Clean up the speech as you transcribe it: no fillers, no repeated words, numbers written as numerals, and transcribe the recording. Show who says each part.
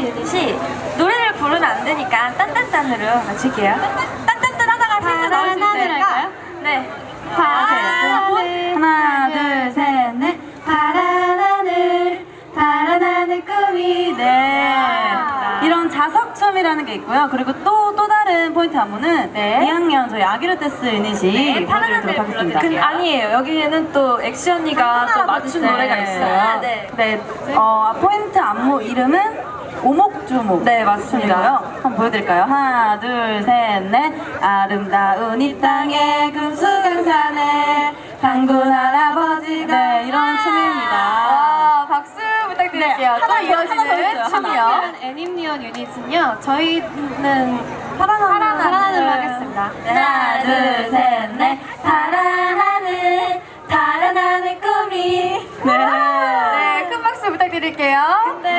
Speaker 1: 유닛이 노래를 부르면 안 되니까 딴딴딴으로 맞출게요. 딴딴딴 하다가 실수 나올 수 있으니까. 네.
Speaker 2: 하나, 둘, 셋, 넷. 파란 하늘 꿈이. 네. 이런 자석춤이라는 게 있고요. 그리고 또 다른 포인트 안무는 2학년 저희 아기르테스 유닛이
Speaker 1: 파란 하늘 불러드릴게요. 아니에요. 여기에는 또 엑시 언니가 또 맞춘 노래가 있어요.
Speaker 2: 네. 포인트 안무 이름은 오목주목. 네, 맞습니다. 한번 보여드릴까요? 하나, 둘, 셋, 넷. 아름다운 이 땅에 금수강산에 당군 할아버지가. 네, 이런 춤입니다.
Speaker 1: 박수 부탁드릴게요.
Speaker 2: 네,
Speaker 1: 또
Speaker 2: 하나
Speaker 1: 이어지는
Speaker 2: 더
Speaker 1: 춤이요.
Speaker 3: 애니미언 유닛은요, 저희는
Speaker 2: 파란
Speaker 3: 하늘로 하겠습니다.
Speaker 2: 하나, 둘, 셋, 넷. 파란 하늘 꿈이. 네.
Speaker 1: 네, 큰 박수 부탁드릴게요.